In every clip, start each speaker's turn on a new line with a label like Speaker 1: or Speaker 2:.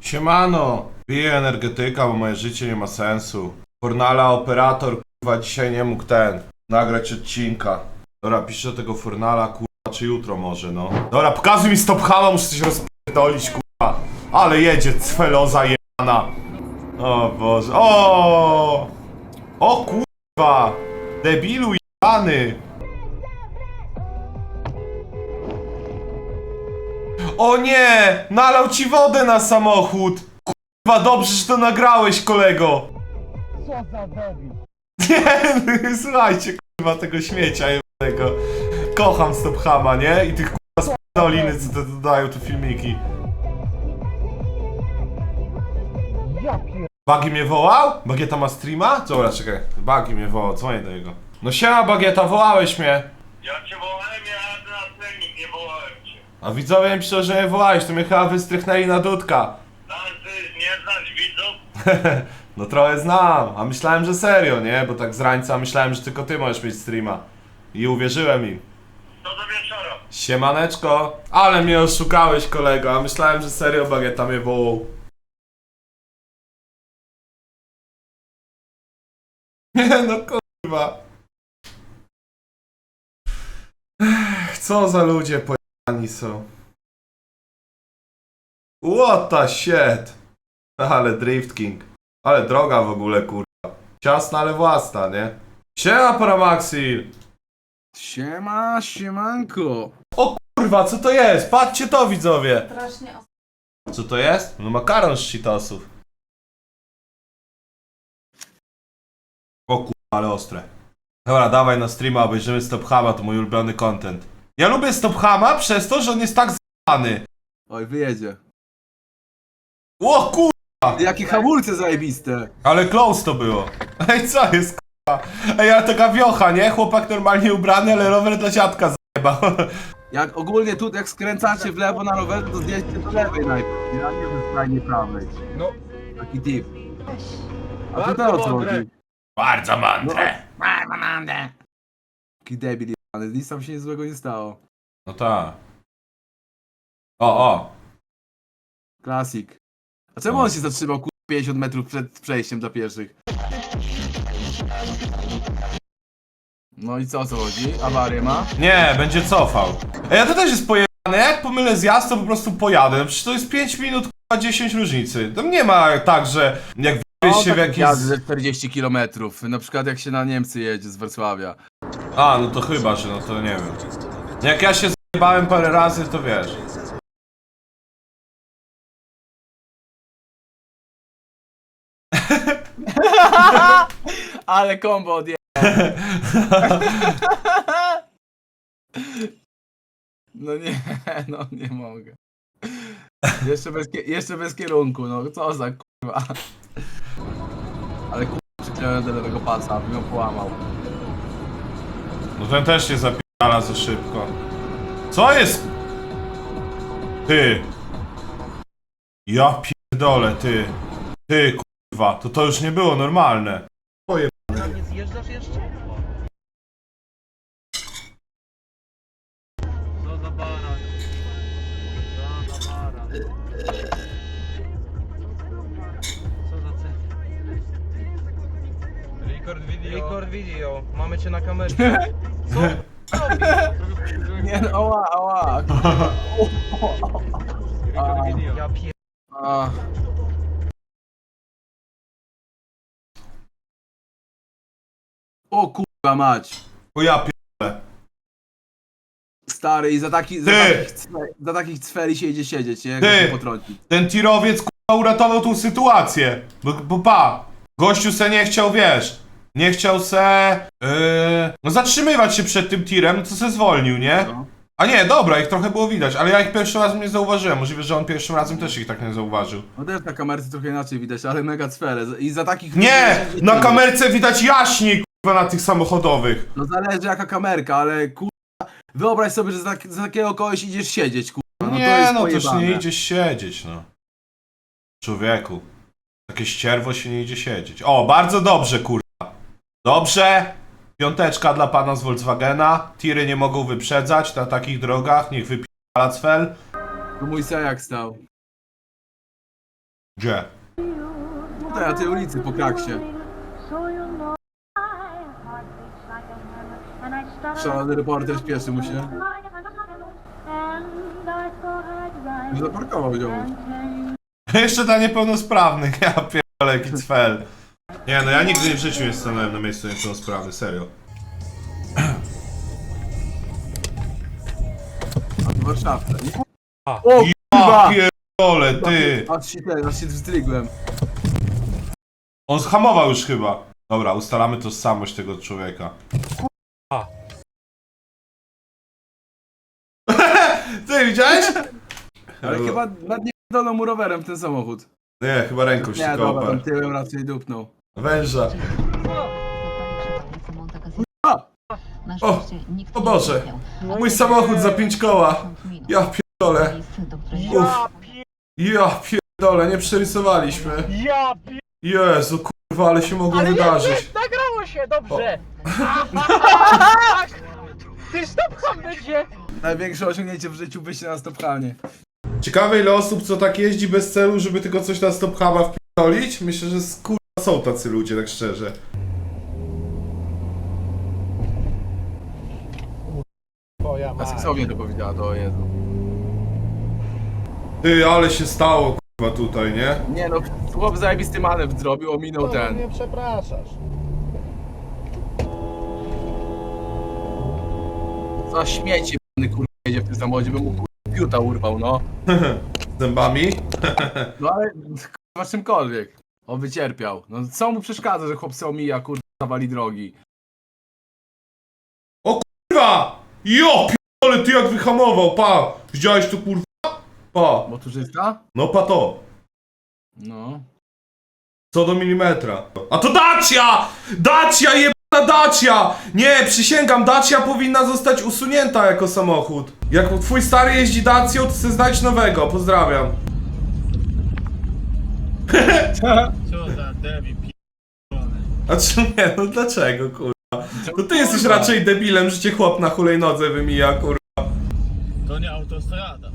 Speaker 1: Siemano, piję energetyka, bo moje życie nie ma sensu. Fornala operator, kurwa, dzisiaj nie mógł nagrać odcinka. Dobra, piszę do tego Fornala, kurwa, czy jutro może, no. Dobra, pokazuj mi stop hama, muszę coś rozpierdolić, kurwa. Ale jedzie cweloza jebana. O Boże, o kurwa, debilu jebany. O nie! Nalał ci wodę na samochód! Kurwa, dobrze, że to nagrałeś, kolego!
Speaker 2: Co za debil.
Speaker 1: Nie, słuchajcie, kurwa, tego śmiecia jebanego. Kocham Stophama, nie? I tych kurwa spidoliny, co to dodają tu filmiki.
Speaker 2: Ja pier...
Speaker 1: Bagi mnie wołał? Bagieta ma streama? Dobra, czekaj. Bagi mnie wołał, dzwonię do niego. No siema, Bagieta, wołałeś mnie.
Speaker 3: Ja cię wołałem, ja na trening, nie wołałem cię.
Speaker 1: A widzowie mi piszą, że mnie wołałeś, to mnie chyba wystrychnęli na dudka.
Speaker 3: Ty nie znasz widzów?
Speaker 1: No trochę znam, a myślałem, że serio, nie? Bo tak z rańca myślałem, że tylko ty możesz mieć streama. I uwierzyłem im.
Speaker 3: To do wieczora.
Speaker 1: Siemaneczko. Ale mnie oszukałeś, kolego, a myślałem, że serio Bagieta mnie wołał. Nie no, kurwa. Co za ludzie pojechani są. What the shit. Ale Drift King. Ale droga w ogóle, kurwa. Ciasna, ale własna, nie? Siema, Paramaxil.
Speaker 4: Siema, siemanko.
Speaker 1: O kurwa, co to jest? Patrzcie to, widzowie.
Speaker 5: Strasznie
Speaker 1: Co to jest? No makaron z Cheetosów. O kurwa, ale ostre. Dobra, dawaj na streama, obejrzymy Stophama, to mój ulubiony content. Ja lubię Stophama przez to, że on jest tak z***ny.
Speaker 4: Oj, wyjedzie.
Speaker 1: O kurwa,
Speaker 4: Jakie hamulce zajebiste.
Speaker 1: ale close to było. Ej, co jest kurwa? Ej, ale taka wiocha, nie? Chłopak normalnie ubrany, ale rower dla dziadka zajebał.
Speaker 4: Jak ogólnie tu, jak skręcacie w lewo na rowerze, to zjedźcie do lewej najpierw. Ja nie wiem, skrajnie prawej.
Speaker 2: No.
Speaker 4: Taki tip. A
Speaker 2: Bardzo
Speaker 4: tutaj o co
Speaker 2: mądre.
Speaker 4: chodzi?
Speaker 1: Bardzo mądre.
Speaker 4: Taki debil jebany, nic tam się nic złego nie stało.
Speaker 1: No tak. O.
Speaker 4: Klasik. A czemu on się zatrzymał 50 metrów przed przejściem dla pieszych? No i co o co chodzi? Awarię ma?
Speaker 1: Nie, będzie cofał. Ej, a to też jest pojebane. Jak pomylę zjazd, to po prostu pojadę. No przecież to jest 5 minut, kurwa, 10 różnicy. Tam nie ma tak, że jak wyjść się w jakieś...
Speaker 4: jazdy ze 40 km. Na przykład jak się na Niemcy jedzie z Wrocławia.
Speaker 1: A, no to chyba, że no to nie wiem. Jak ja się zjebałem parę razy, to wiesz.
Speaker 4: Ale kombo odje... No nie, no nie mogę. Jeszcze bez kierunku, no co za kurwa. Ale kurwa przyklejony do lewego pasa, aby ją połamał.
Speaker 1: No ten też się zapierdala za szybko. Co jest? Ty. Ja pierdolę, ty. Ty, kurwa, to już nie było normalne.
Speaker 2: Nie zjeżdżasz jeszcze? Co za baran. Co za baran. Co za cel. Record video. Mamy cię na kamerze. Co?
Speaker 4: Nie no, ała.
Speaker 2: Record video. Ja pier...
Speaker 4: A. O kurwa mać.
Speaker 1: O ja pierdolę.
Speaker 4: Stary i za takich cweli się idzie siedzieć, nie? Jak
Speaker 1: Ty.
Speaker 4: się potrącić.
Speaker 1: Ten tirowiec kurwa uratował tą sytuację. Bo pa, gościu se nie chciał, wiesz, nie chciał se no zatrzymywać się przed tym tirem, no to se zwolnił, nie?
Speaker 4: No.
Speaker 1: A nie, dobra, ich trochę było widać, ale ja ich pierwszym razem nie zauważyłem. Możliwe, że on pierwszym razem też ich tak nie zauważył.
Speaker 4: No też na kamerce trochę inaczej widać, ale mega cwele. I za takich...
Speaker 1: Nie! Na kamerce widać jaśniej, kurwa, na tych samochodowych.
Speaker 4: No zależy jaka kamerka, ale kurwa... Wyobraź sobie, że za takiego kogoś idziesz siedzieć, kurwa. No to
Speaker 1: Nie,
Speaker 4: jest
Speaker 1: no toż
Speaker 4: pojebane.
Speaker 1: nie idzie siedzieć, no. Człowieku. Takie ścierwo się nie idzie siedzieć. O, bardzo dobrze, kurwa. Dobrze. Piąteczka dla pana z Volkswagena. Tiry nie mogą wyprzedzać na takich drogach. Niech wypierdala cfel.
Speaker 4: To mój sejak stał.
Speaker 1: Gdzie?
Speaker 4: Tutaj na tej ulicy po kraksie. Szalony reporter śpieszy mu się. Zaparkował ją.
Speaker 1: Jeszcze dla niepełnosprawnych, ja pierdolę, jaki cfel. Nie no, ja nigdy w życiu nie stanąłem na miejscu niepełnosprawny, serio.
Speaker 4: A to Warszawka. Nie?
Speaker 1: O
Speaker 4: O kurwa!
Speaker 1: pierdolę, ty!
Speaker 4: Aż się wzdrygłem.
Speaker 1: On zhamował już chyba. Dobra, ustalamy tożsamość tego człowieka. Ty widziałeś?
Speaker 4: Ale chyba nad nie dolną mu rowerem ten samochód.
Speaker 1: Nie, chyba ręką się
Speaker 4: Nie, dobra,
Speaker 1: kopał.
Speaker 4: tam tyłem raczej dupnął.
Speaker 1: Węża.
Speaker 4: A!
Speaker 1: O! O Boże! Mój samochód za 5 koła! Ja pierdolę! Uff. Ja pierdolę, nie przerysowaliśmy.
Speaker 2: Ja
Speaker 1: Jezu, kurwa, ale się mogło wydarzyć.
Speaker 2: nagrało się, dobrze! Ty stopcham będzie!
Speaker 4: Największe osiągnięcie w życiu wyjście na stopchanie.
Speaker 1: Ciekawe ile osób co tak jeździ bez celu, żeby tylko coś na stop huba wpierdolić? Myślę, że kurwa są tacy ludzie, tak szczerze.
Speaker 4: A seksownie to powiedziała, to o Jezu.
Speaker 1: Ty, ale się stało kurwa tutaj, nie?
Speaker 4: Nie no, chłop zajebisty manewr zrobił, ominął ten.
Speaker 5: Nie przepraszasz.
Speaker 4: Za śmieci kurwa jedzie w tym samochodzie, by mu kurwa piuta urwał, no.
Speaker 1: Zębami?
Speaker 4: No ale kurwa czymkolwiek. On wycierpiał. No co mu przeszkadza, że chłop se omija, kurwa, zawali drogi.
Speaker 1: Kurwa! Jo, pierdolę, ty jak wyhamował, pa! Widziałeś tu kurwa? Pa!
Speaker 4: Motorzysta?
Speaker 1: No pa to.
Speaker 4: No.
Speaker 1: Co do milimetra. A to Dacia! Dacia, jebana Dacia! Nie, przysięgam, Dacia powinna zostać usunięta jako samochód. Jak twój stary jeździ Dacią, to chcę znać nowego, pozdrawiam.
Speaker 5: Co za debil
Speaker 1: A czy nie, no dlaczego kurwa? To ty jesteś raczej debilem, że cię chłop na hulajnodze wymija kurwa.
Speaker 5: To nie autostrada.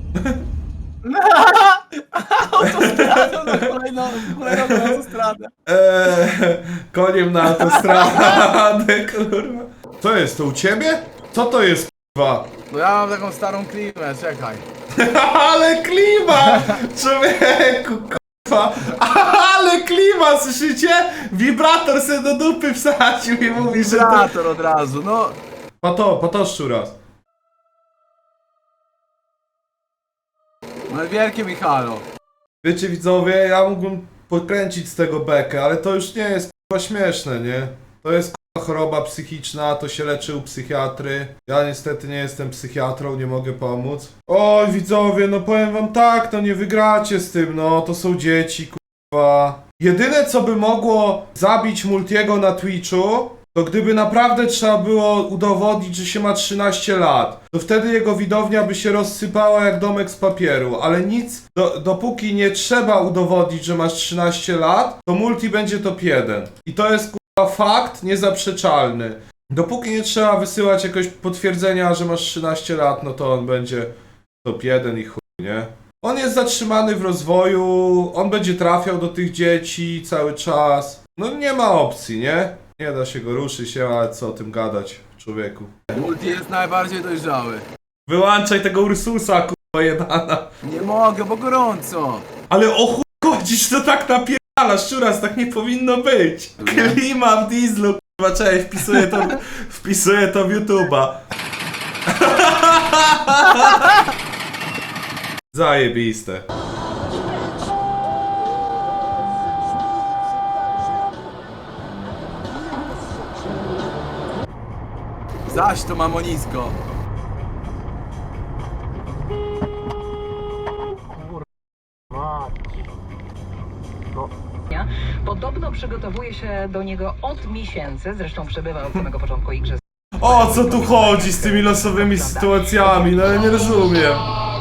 Speaker 4: Autostradę na kolejną autostradę.
Speaker 1: Koniem na autostradę, kurwa. Co jest, to u ciebie? Co to jest kurwa?
Speaker 4: No ja mam taką starą klimę, czekaj.
Speaker 1: Ale klima! Człowieku, kurwa! Ale klima, słyszycie? Wibrator se do dupy wsadził i mówi, że to...
Speaker 4: Vibrator od razu, no.
Speaker 1: Patoszczu raz.
Speaker 4: No wielkie Michalo.
Speaker 1: Wiecie widzowie, ja mógłbym podkręcić z tego bekę, ale to już nie jest kurwa śmieszne, nie? To jest kurwa choroba psychiczna, to się leczy u psychiatry. Ja niestety nie jestem psychiatrą, nie mogę pomóc. Oj widzowie, no powiem wam tak, no nie wygracie z tym, no to są dzieci, kurwa. Jedyne co by mogło zabić Multiego na Twitchu, to gdyby naprawdę trzeba było udowodnić, że się ma 13 lat, to wtedy jego widownia by się rozsypała jak domek z papieru, ale nic, dopóki nie trzeba udowodnić, że masz 13 lat, to Multi będzie top 1. I to jest kurwa fakt niezaprzeczalny. Dopóki nie trzeba wysyłać jakiegoś potwierdzenia, że masz 13 lat, no to on będzie top 1 i chuj, nie? On jest zatrzymany w rozwoju, on będzie trafiał do tych dzieci cały czas. No nie ma opcji, nie? Nie da się go ruszyć, ale co o tym gadać, człowieku.
Speaker 4: Multi jest najbardziej dojrzały.
Speaker 1: Wyłączaj tego Ursusa, kurwa jebana.
Speaker 4: Nie mogę, bo gorąco.
Speaker 1: Ale o chuj chodzisz, to tak napierdalasz, szczuras, tak nie powinno być. Klima w dieslu, kurwa, cześć, wpisuję to w YouTube'a. Zajebiste.
Speaker 4: Zaś to mamonisko.
Speaker 6: Podobno przygotowuje się do niego od miesięcy, zresztą przebywa od samego początku igrzysk.
Speaker 1: O co tu chodzi z tymi losowymi sytuacjami? No ja nie rozumiem.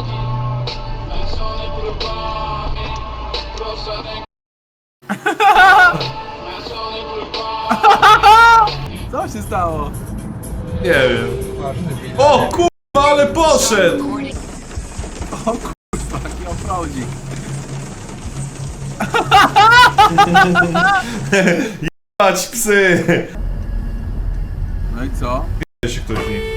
Speaker 4: Co się stało?
Speaker 1: Nie wiem. O kurwa, ale poszedł!
Speaker 4: O kurwa, jaki offroadzik.
Speaker 1: Jebać psy!
Speaker 4: No i co?
Speaker 1: Wie się ktoś w nich.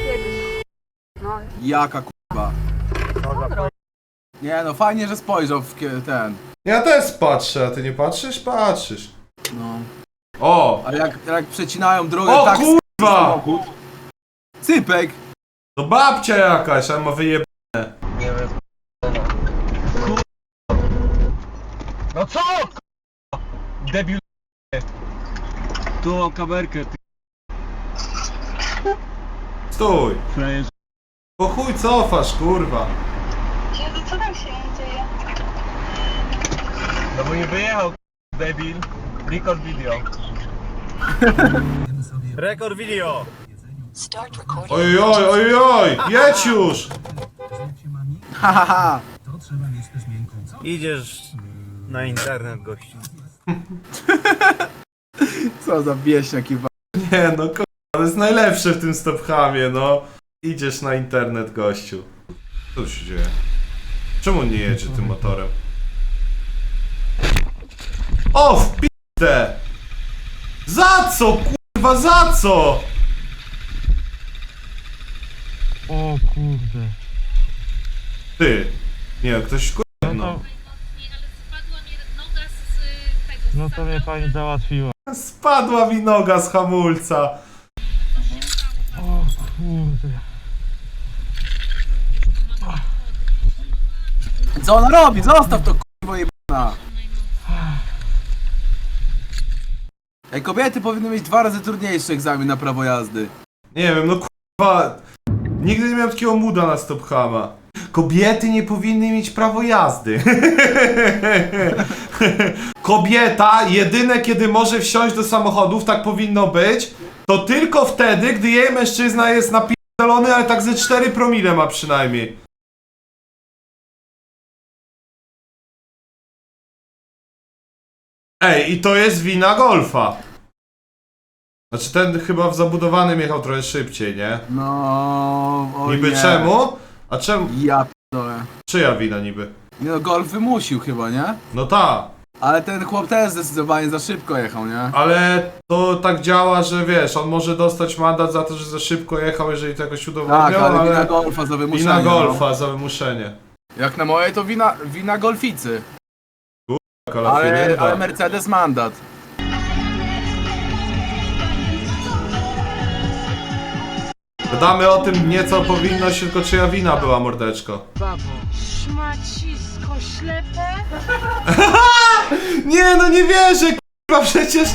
Speaker 4: Jaka kurwa. Nie no, fajnie, że spojrzał w ten.
Speaker 1: Ja też patrzę, a ty nie patrzysz? Patrzysz.
Speaker 4: No.
Speaker 1: O!
Speaker 4: Ale jak przecinają drogę
Speaker 1: O
Speaker 4: tak
Speaker 1: kurwa!
Speaker 4: samochód. Cypek!
Speaker 1: To babcia jakaś, a ma wyjeb...
Speaker 2: Nie wiem. No co? Debil.
Speaker 5: Tu mam kamerkę, ty
Speaker 1: Stój!
Speaker 5: frajerze.
Speaker 1: Po chuj cofasz, kurwa.
Speaker 7: Jezu, co tam się dzieje?
Speaker 2: No bo nie wyjechał, debil. Record video.
Speaker 5: Rekord video!
Speaker 1: Oj, jedź już!
Speaker 4: Hahaha!
Speaker 5: Idziesz na internet, gościu.
Speaker 4: Co za wieśniak jeba.
Speaker 1: Nie no, kurwa, to jest najlepsze w tym stopchamie, no. Idziesz na internet, gościu. Co tu się dzieje? Czemu on nie jedzie tym motorem? O, w p***ę! Za co, kurwa, za co?
Speaker 5: O kurde.
Speaker 1: Ty. Nie, ktoś kurwa, no.
Speaker 8: Ale spadła mi noga z tego.
Speaker 5: No to mnie pani załatwiła.
Speaker 1: Spadła mi noga z hamulca.
Speaker 5: O kurde.
Speaker 4: Co ona robi? Zostaw to kurwa jebana! Ej, kobiety powinny mieć 2 razy trudniejszy egzamin na prawo jazdy.
Speaker 1: Nie wiem, no kurwa. Nigdy nie miałem takiego muda na stophama. Kobiety nie powinny mieć prawo jazdy. Kobieta jedyne kiedy może wsiąść do samochodów, tak powinno być, to tylko wtedy, gdy jej mężczyzna jest napierdolony, ale tak ze 4 promile ma przynajmniej. Ej, i to jest wina Golfa. Znaczy ten chyba w zabudowanym jechał trochę szybciej, nie?
Speaker 4: No... o
Speaker 1: Niby
Speaker 4: nie.
Speaker 1: czemu? A czemu?
Speaker 4: Ja p***dolę.
Speaker 1: Czyja wina niby?
Speaker 4: Nie no, Golf wymusił chyba, nie?
Speaker 1: No ta,
Speaker 4: Ale ten chłop też zdecydowanie za szybko jechał, nie?
Speaker 1: ale to tak działa, że wiesz, on może dostać mandat za to, że za szybko jechał, jeżeli to jakoś
Speaker 4: Tak,
Speaker 1: udowodnią,
Speaker 4: ale wina
Speaker 1: ale
Speaker 4: Golfa za wymuszenie.
Speaker 1: wina Golfa za wymuszenie.
Speaker 4: No. Jak na moje to wina Golficy.
Speaker 1: Kalafiry,
Speaker 4: Ale
Speaker 1: tak.
Speaker 4: Mercedes mandat.
Speaker 1: Gadamy o tym nie co powinność, tylko czyja wina była, mordeczko.
Speaker 7: Szmacisko ślepe?
Speaker 1: Nie no nie wierzę, k***a, przecież...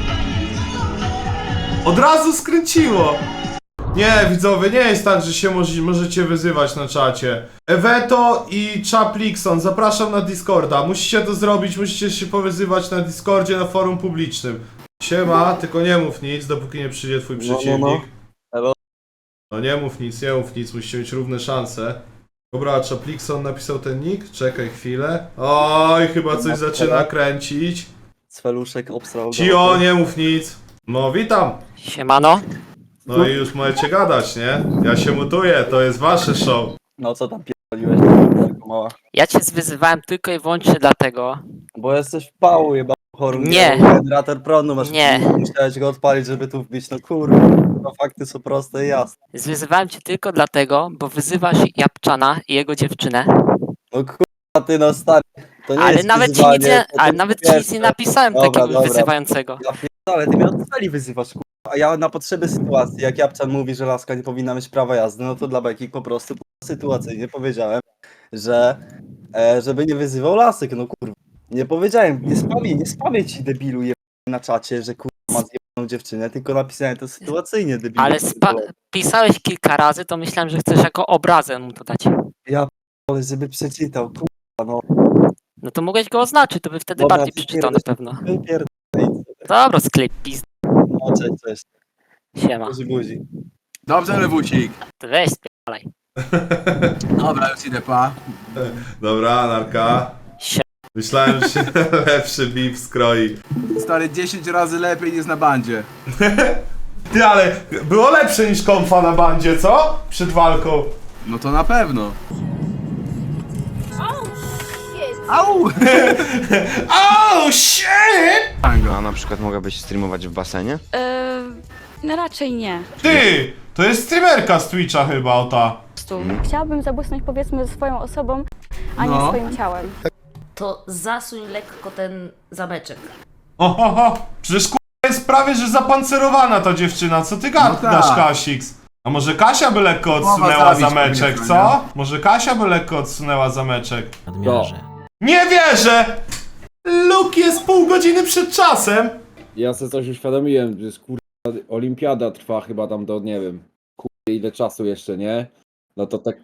Speaker 1: Od razu skręciło. Nie, widzowie, nie jest tak, że się możecie wyzywać na czacie. Eweto i Chaplikson, zapraszam na Discorda. Musicie to zrobić, musicie się powyzywać na Discordzie, na forum publicznym. Siema, tylko nie mów nic, dopóki nie przyjdzie twój przeciwnik.
Speaker 2: Elo.
Speaker 1: No nie mów nic, musicie mieć równe szanse. Dobra, Chaplikson napisał ten nick? Czekaj chwilę. Oj, chyba coś zaczyna kręcić.
Speaker 2: Cweluszek obstrał.
Speaker 1: Cio, nie mów nic. No, witam.
Speaker 9: Siemano.
Speaker 1: No i już możecie gadać, nie? Ja się mutuję, to jest wasze show.
Speaker 2: No co tam pierdoliłeś, tylko mała.
Speaker 9: Ja cię wyzywałem tylko i wyłącznie dlatego.
Speaker 2: Bo jesteś w pału, jeba choru.
Speaker 9: Nie.
Speaker 2: Generator prądu masz.
Speaker 9: Nie.
Speaker 2: Musiałeś go odpalić, żeby tu wbić. No kurwa, no fakty są proste i jasne.
Speaker 9: Wyzywałem cię tylko dlatego, bo wyzywasz Japczana i jego dziewczynę.
Speaker 2: No kurwa, ty no stary. To nie
Speaker 9: Ale
Speaker 2: jest
Speaker 9: nawet ci
Speaker 2: wyzwanie,
Speaker 9: nic nie,
Speaker 2: to
Speaker 9: ale
Speaker 2: po
Speaker 9: nawet ci nic
Speaker 2: pierwsze.
Speaker 9: nie napisałem
Speaker 2: Dobra,
Speaker 9: takiego
Speaker 2: dobra.
Speaker 9: wyzywającego.
Speaker 2: Ja ale ty mnie od celi wyzywasz, kurwa. A ja na potrzeby sytuacji, jak Japczan mówi, że laska nie powinna mieć prawa jazdy, no to dla beki po prostu sytuacyjnie powiedziałem, że żeby nie wyzywał lasek, no kurwa. Nie powiedziałem, nie spamię ci debilu na czacie, że kurwa ma zjebaną dziewczynę, tylko napisałem to sytuacyjnie debilu.
Speaker 9: Ale pisałeś kilka razy, to myślałem, że chcesz jako obrazę mu to dać.
Speaker 2: Ale żeby przeczytał, kurwa, no.
Speaker 9: No to mogłeś go oznaczyć, to by wtedy
Speaker 2: Dobra,
Speaker 9: bardziej
Speaker 2: ty
Speaker 9: przeczytał na
Speaker 2: pierdolisz.
Speaker 9: pewno.
Speaker 2: Wypierdolę.
Speaker 9: Dobra, sklep pizd.
Speaker 2: No cześć.
Speaker 9: Siema.
Speaker 2: Buzi.
Speaker 4: Dobrze, Lewusik.
Speaker 9: To weź spierdalaj.
Speaker 4: Dobra, już idę, pa.
Speaker 1: Dobra, narka.
Speaker 9: Sie-
Speaker 1: Myślałem, że się lepszy beef skroi.
Speaker 4: Stary, 10 razy lepiej niż na bandzie.
Speaker 1: Ty, ale było lepsze niż konfa na bandzie, co? Przed walką.
Speaker 4: No to na pewno. Au!
Speaker 1: Oh shit!
Speaker 10: A na przykład mogłabyś streamować w basenie?
Speaker 7: No raczej nie.
Speaker 1: Ty! To jest streamerka z Twitcha chyba, o ta.
Speaker 7: Chciałabym zabłysnąć powiedzmy swoją osobą, a nie
Speaker 4: No.
Speaker 7: swoim ciałem.
Speaker 8: To zasuń lekko ten zameczek.
Speaker 1: Ohoho! Przecież jest prawie, że zapancerowana ta dziewczyna, co ty gadasz,
Speaker 4: No tak.
Speaker 1: Kasiks? A może Kasia by lekko
Speaker 4: Mowa
Speaker 1: odsunęła
Speaker 4: zabić
Speaker 1: zameczek,
Speaker 4: powinna,
Speaker 1: co? Może Kasia by lekko odsunęła zameczek? Nie wierzę! Luke jest pół godziny przed czasem!
Speaker 11: Ja sobie coś uświadomiłem, że jest olimpiada trwa chyba tam do, nie wiem, ile czasu jeszcze, nie? No to tak...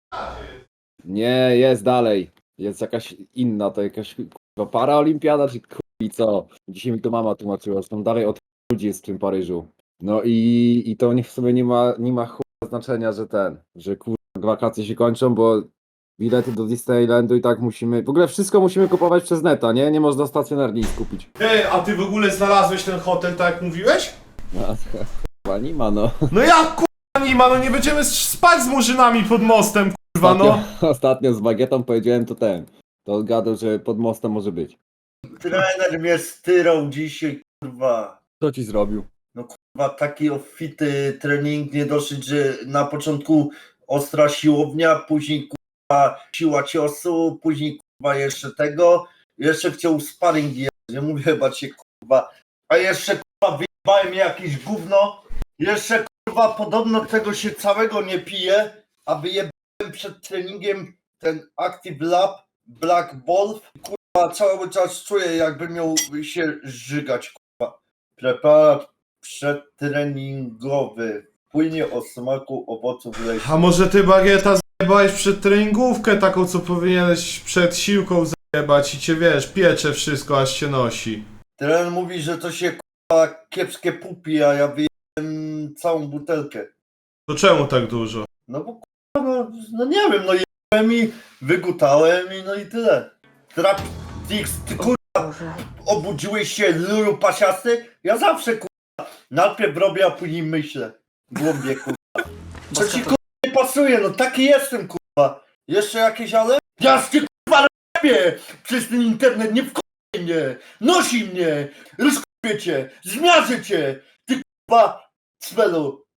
Speaker 11: Nie, jest dalej. Jest jakaś inna, to jakaś paraolimpiada, czy i co? Dzisiaj mi to mama tłumaczyła, że tam dalej od ludzi jest w tym Paryżu. No i to w sumie nie ma znaczenia, że wakacje się kończą, bo bilety do Disneylandu i tak musimy, w ogóle wszystko musimy kupować przez neta, nie? Nie można stacjonarnie nic kupić.
Speaker 1: A ty w ogóle znalazłeś ten hotel tak jak mówiłeś?
Speaker 11: No, chyba nie ma, no.
Speaker 1: No jak nie ma, no nie będziemy spać z murzynami pod mostem, kurwa, no.
Speaker 11: Ostatnio z Bagietą powiedziałem to on gadał, że pod mostem może być.
Speaker 3: Trener mnie styrał dzisiaj, kurwa.
Speaker 11: Co ci zrobił?
Speaker 3: No kurwa, taki obfity trening, nie dosyć, że na początku ostra siłownia, później kurwa siła ciosu, później kurwa jeszcze tego, jeszcze chciał sparring jechać, nie mówię chyba cię kurwa, a jeszcze kurwa wyjebałem jakieś gówno, jeszcze kurwa podobno tego się całego nie pije, a wyjebałem przed treningiem ten Active Lab Black Ball, kurwa cały czas czuję jakby miał się żygać, kurwa. Preparat przedtreningowy. Płynie o smaku owoców leśnych.
Speaker 1: A może ty, Bagieta, zajebałeś przed treningówkę taką, co powinieneś przed siłką zajebać i cię, wiesz, piecze wszystko, aż się nosi.
Speaker 3: Trener mówi, że to się kurwa kiepskie pupi, a ja wyjebałem całą butelkę.
Speaker 1: To czemu tak dużo?
Speaker 3: No bo kurwa, no nie wiem, no jebałem i wygutałem i no i tyle. Traptix, ty kurwa, obudziłeś się lulu pasiasty? Ja zawsze kurwa, najpierw robię, a później myślę. W głąbie kurwa. Co ci kurwa nie pasuje, no taki jestem kurwa. Jeszcze jakieś ale? Jasny kurwa robię przez ten internet, nie wkurwaj mnie, nosi mnie, rozkupię cię, zmiażę cię, ty kurwa cmelu.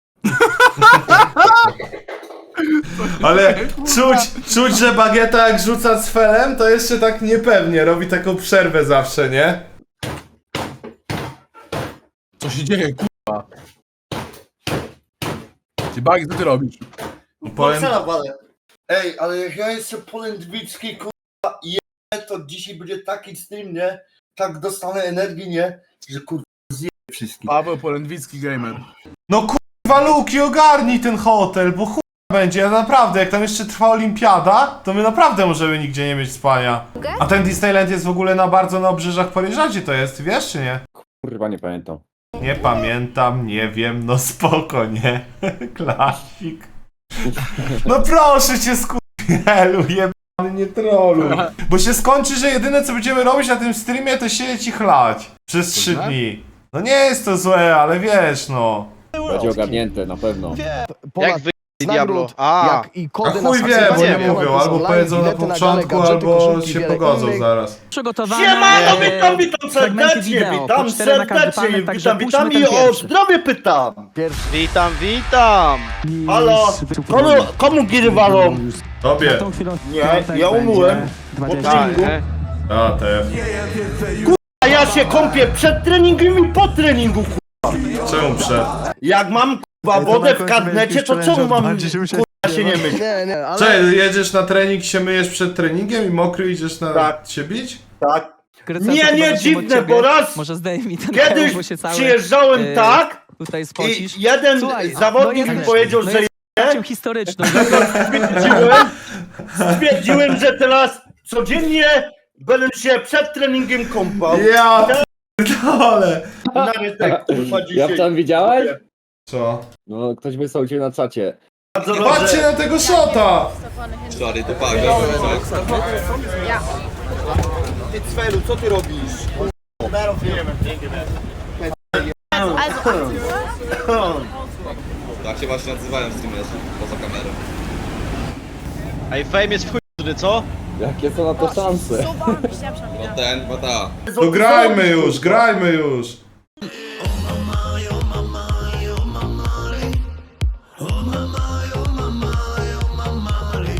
Speaker 1: Ale czuć, że Bagieta jak rzuca cfelem, to jeszcze tak niepewnie, robi taką przerwę zawsze, nie?
Speaker 4: Co się dzieje, kurwa? Ty Bagi, co ty robisz?
Speaker 1: Powiem,
Speaker 3: Ale... Ej, ale jak ja jestem polędwicki, kurwa, jebę, to dzisiaj będzie taki stream, nie? Tak dostanę energii, nie? Że kurwa zjebę wszystkich.
Speaker 4: Paweł Polędwicki gamer.
Speaker 1: no kurwa Luki, ogarnij ten hotel, bo chuj będzie, naprawdę, jak tam jeszcze trwa olimpiada, to my naprawdę możemy nigdzie nie mieć spania. A ten Disneyland jest w ogóle bardzo na obrzeżach Paryża, gdzie to jest, wiesz czy nie?
Speaker 11: Kurwa, nie pamiętam.
Speaker 1: Nie pamiętam, nie wiem, no spoko, nie? Klasik. No proszę cię, skurwielu, jebany, nie trolluj. Bo się skończy, że jedyne co będziemy robić na tym streamie to siedzieć i chlać. Przez 3 dni. No nie jest to złe, ale wiesz, no.
Speaker 11: Będzie ogarnięte, na pewno.
Speaker 10: Jak wy Diablo? A
Speaker 1: chuj wie, bo nie mówią, albo powiedzą na początku, albo się pogodzą zaraz.
Speaker 3: Siemano, witam serdecznie, witam serdecznie, witam i o zdrowie pytam.
Speaker 10: Witam!
Speaker 3: Halo, komu giry walą?
Speaker 1: Tobie.
Speaker 3: Nie, ja umyłem po treningu.
Speaker 1: A, te.
Speaker 3: A ja się kąpię przed treningiem i po treningu,
Speaker 1: Czemu przed?
Speaker 3: jak mam kurwa wodę w karnecie, to czemu mam kurwa się nie myć?
Speaker 1: Cześć, jedziesz na trening, się myjesz przed treningiem i mokry idziesz na
Speaker 3: Tak.
Speaker 1: się bić?
Speaker 3: Tak. Nie, dziwne, bo raz kiedyś przyjeżdżałem tak i jeden zawodnik mi powiedział, że stwierdziłem, że teraz codziennie będę się przed treningiem kąpał.
Speaker 1: Ja p***ole.
Speaker 11: Ja tam widziałeś?
Speaker 1: Co?
Speaker 11: No, ktoś wysłał cię na czacie.
Speaker 1: Patrzcie na tego shota!
Speaker 10: Sorry, to Paweł.
Speaker 3: Ty Cwelu, co ty robisz?
Speaker 10: Tak się właśnie nazywają streamerzy poza kamerą. Ej, Fame jest w chuj, co?
Speaker 11: Jakie są na to szanse?
Speaker 10: Bo ten, bo ta.
Speaker 1: To grajmy już, grajmy już!